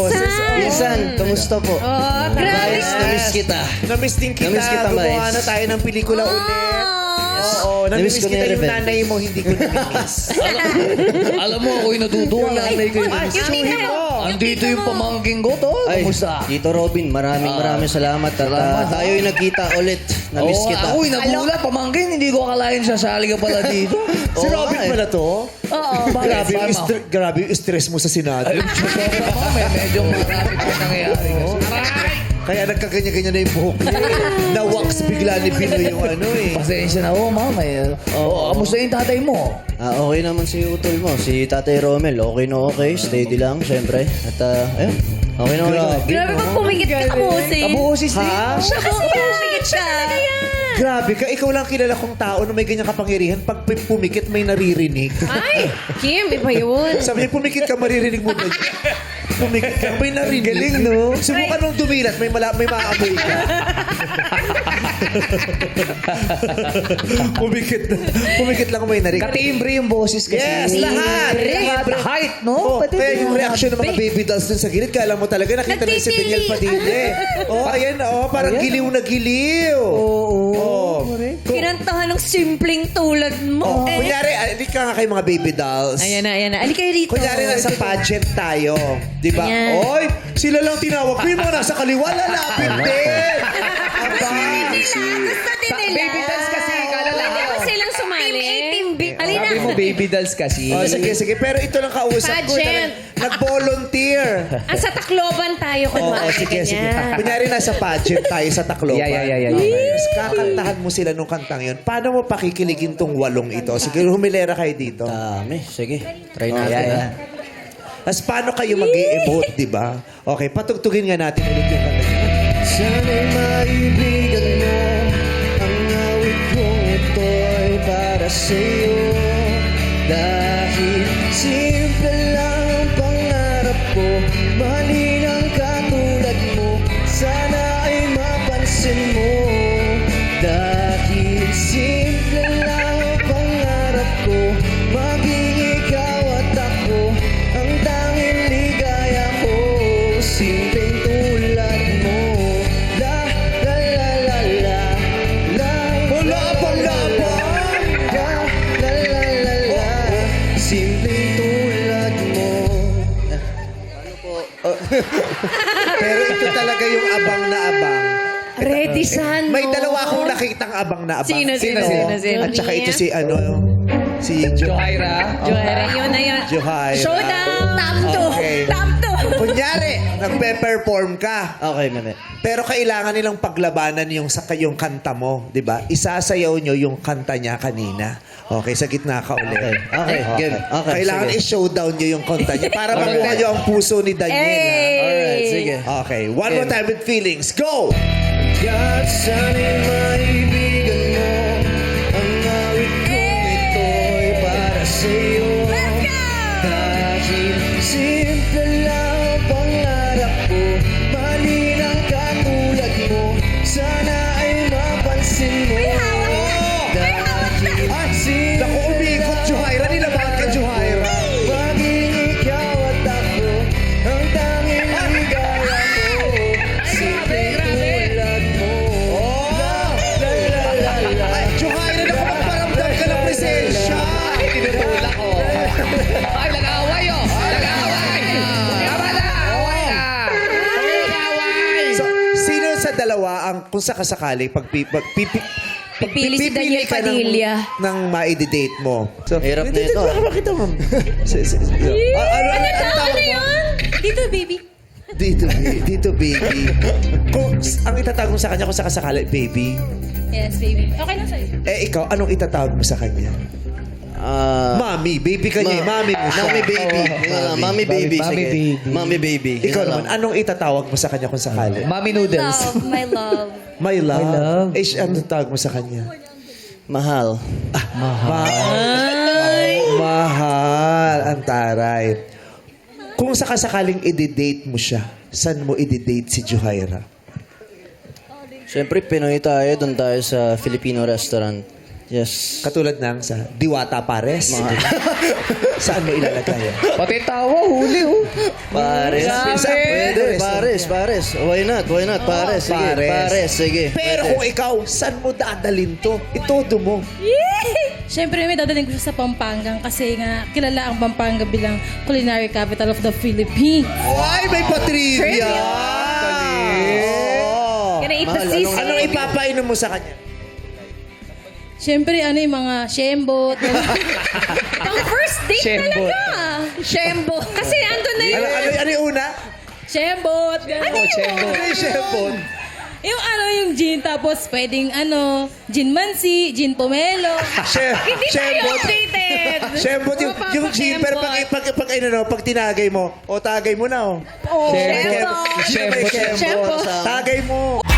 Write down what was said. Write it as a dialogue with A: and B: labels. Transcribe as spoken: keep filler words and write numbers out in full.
A: boses.
B: Pinsan, kamusta po?
C: Oh, grabe.
B: Guys, namiss kita.
A: Namiss din kita.
B: Namiss kita,
A: Gumawa
B: Miles.
A: na tayo ng pelikula ulit. Oo,
B: Namiss
A: namiss
B: ko na
A: kita
B: yung
A: yung
B: Rebel.
A: nanay mo, hindi ko namiss.
D: Alam mo, ako'y natutuwa.
A: nanay ko yung
C: Yung
A: namiss.
C: tita mo.
D: Andito yung pamangking ko, to.
B: Ay,
D: Kamusta?
B: Tito Robin, maraming maraming salamat. At
D: Salamat,
B: uh, tayo'y nagkita ulit. Namiss
D: Oo,
B: kita.
D: ako'y nagulat, pamangkin. Hindi ko akalain sasali ka pala dito.
A: Si
B: Oo
A: Robin
B: nga eh.
A: pala to?
C: Oo.
A: Grabe yung,
D: Bakit?
A: stre- grabe yung stress mo sa Senado.
D: Sobra mo, may medyo marami pa nangyayari.
A: Kaya nagkaganya-ganya na yung buhok niya. Na-wax bigla ni Pino yung ano eh.
D: Pasensya na ako, mama. Oo, kamusta yung tatay mo?
B: Ah, okay naman si utol mo, si Tatay Romel. Okay na okay, steady lang, syempre. At uh, ayun, okay na okay.
A: Grabe.
C: Grabe pag pumikit ka, kapusin.
D: Kabuosis din.
A: Ha?
C: Siya kasi pumikit ka.
A: Grabe ka, ikaw lang kilala kong tao na may ganyang kapangyarihan. Pag pi- pumikit, may naririnig.
C: Ay, Kim, iba yun.
A: Sabi niya, pumikit ka, maririnig mo na. Pumikit ka, may narinig. Galing, no? Subukan mong dumilat, may, mala- may maamoy ka. pumikit, pumikit lang may narinig.
D: Katimbre yung boses kasi.
A: Yes, lahat!
D: Lahat.
A: Lahat.
D: Height, no?
A: Oh,
D: Pati
A: kaya
D: din.
A: yung reaction ng mga baby dolls dun sa gilid, kala mo talaga nakita na si Daniel Padilla. Oh, ayan, oh, parang giliw na giliw.
D: Oo.
A: Oh.
C: Kinantahan ng simpleng tulad mo.
A: Oh, kunyari, ali ka nga kayo mga baby dolls.
C: Ayan na, ayan na. Ali kayo rito.
A: Kunyari, nasa pageant tayo. Di ba?
C: Ayan.
A: Oy, sila lang tinawag. Yung mga nasa kaliwa, lalapit din. Aba.
C: Gusto din nila.
D: Baby dolls kasi, kala lang.
C: Pwede ba silang sumali? Team A, Team B. Alina.
D: Sabi mo baby dolls kasi.
A: Oh, sige, sige. Pero ito lang kausap ko.
C: Pageant.
A: Talaga, Nag-volunteer.
C: Ah, sa Tacloban tayo
A: Oo,
C: kunwari.
A: oh, sige, sige.
C: ganyan.
A: Kunyari, nasa pageant tayo sa Tacloban.
D: Yeah, yeah, yeah, yeah.
A: Okay. Tapos kakantahan mo sila nung kantang yun. Paano mo pakikiligin tong walong ito? Sige, humilera kayo dito.
B: Dami, sige. Try
A: Oh,
B: natin.
A: yeah, yeah. Tapos paano kayo mag-e-emote, di ba? Okay, patugtugin nga natin ulit yung kanta niya.
B: Sana'y maibigan mo ang awit kong ito'y para sa'yo. Dahil simple lang ang pangarap ko, mahalin ang katulad mo, sana ay mapansin mo. Dahil simple lang ang pangarap ko, maging ikaw at ako, ang tanging ligaya ko, simpleng tulad mo. La, la, la, la, la, la.
A: Wala pang labang!
B: La, la, la, la, la. Simpleng tulad mo.
A: Pero ito talaga yung abang na abang.
C: Ready san,
A: May
C: no?
A: dalawa akong nakitang abang na abang.
C: Sino, sino,
A: Ito,
C: sino, sino?
A: At saka ito si ano, si Jo.
D: Johaira.
C: Joera, yun na yun.
A: Johaira.
C: Showdown! Top two!
A: Okay.
C: Top two!
A: Kunyari, nagpe-perform ka.
B: Okay, mami.
A: Pero kailangan nilang paglabanan yung sa yung kanta mo, 'di ba? Isasayaw nyo yung kanta niya kanina. Okay, sa gitna ka ulit.
B: Okay, okay, game. Okay,
A: Kailangan
B: sige.
A: i-showdown nyo yung kanta niya para makuha nyo ang puso ni Daniel.
C: Hey!
B: Alright, sige.
A: ha? Okay, one more time with feelings. Go!
B: God, sana'y maibigan mo ang awit kong ito'y para sa'yo.
C: Let's go!
B: Dahil simple lang ang pangarap ko, mahalin ang katulad mo, sana ay mapansin mo.
C: May hawak na! May hawak na!
A: Ay, naku, umikot, Johaira. Nilabahan ka, Johaira.
B: Maging ikaw at ako, ang tanging ligaya ko, simpleng tulad mo.
A: Oh!
B: La, la, la, la.
A: Ay, Johaira, naku, magparamdam ka ng presensya.
D: Tinutulak ko. Ay, nag-aaway oh. Nag-aaway. Tama na. Away na. Nag-aaway.
A: So, sino sa dalawa ang kung sakasakali pag pi, pag pipi, pag
C: Pipili si Daniel
A: ka ng,
C: Padilla.
A: ng ma-date mo. So,
B: Hirap na
A: dito,
B: ito,
A: Dito,
B: ah.
A: makita mo. Si- si- si- Ah, ano, ano, ano tawag mo?
C: Dito, baby.
A: Dito, ba- dito, baby. Kung ang itatawag mo sa kanya kung sakasakali, baby.
C: Yes, baby. Okay lang sa'yo.
A: Eh, ikaw, anong itatawag mo sa kanya?
B: Ah,
A: Mami, baby ka niya. eh. Mami mo siya.
B: Mami baby. Ah, Mami baby.
D: Mami
B: sige.
D: baby.
B: Mami baby.
A: Ikaw
B: Yun
A: naman,
B: lang.
A: anong itatawag mo sa kanya kung sakali?
D: Mami noodles.
C: Love, my love.
A: My love.
D: My love.
A: Eh, siya, anong tawag mo sa kanya?
B: Mahal.
A: Mahal. Mahal. Ang taray. Kung sakasakaling i-date mo siya, saan mo i-date si Johaira?
B: Siyempre, Pinoy tayo. Doon tayo sa Filipino restaurant. Yes.
A: Katulad ng sa Diwata Pares. Saan mo ilalagay yan?
D: Pati tawa, huli oh.
B: Pares.
D: Grabe.
B: Saan pwede? Pares, pares. Why not? Why not? Pares. Sige,
A: Pares.
B: pares. Sige.
A: Pero
B: Pwede.
A: kung ikaw, saan mo dadalhin to? Itodo mo.
C: Yay! Siyempre, may dadaling ko siya sa Pampanga kasi nga kilala ang Pampanga bilang culinary capital of the Philippines.
A: Ay, may patrivia!
C: Trivia.
A: Oo.
C: Can I eat the
B: Mahal,
C: sisig?
A: Anong ipapainom mo sa kanya?
C: Siyempre, ano yung mga shembot. Pang first date
D: Shembot.
C: talaga. Shembot. Kasi andun na
A: Ano,
C: yung...
A: ano, ano yung una?
C: Shembot. Ano
D: shembot.
A: Ano yung shembon?
C: Yung ano, yung gin, tapos pwedeng ano, gin mansi, gin pomelo.
A: She-
C: Hindi tayo
A: shembot.
C: updated.
A: Shembot yung,
C: Mapapakembot.
A: yung gin, pero pag, pag, pag, ano, no, pag tinagay mo, o tagay mo na, oh.
C: Oh,
D: Shembot.
C: shembot.
A: Shembot.
D: Shembot.
C: Shembot.
A: Tagay mo.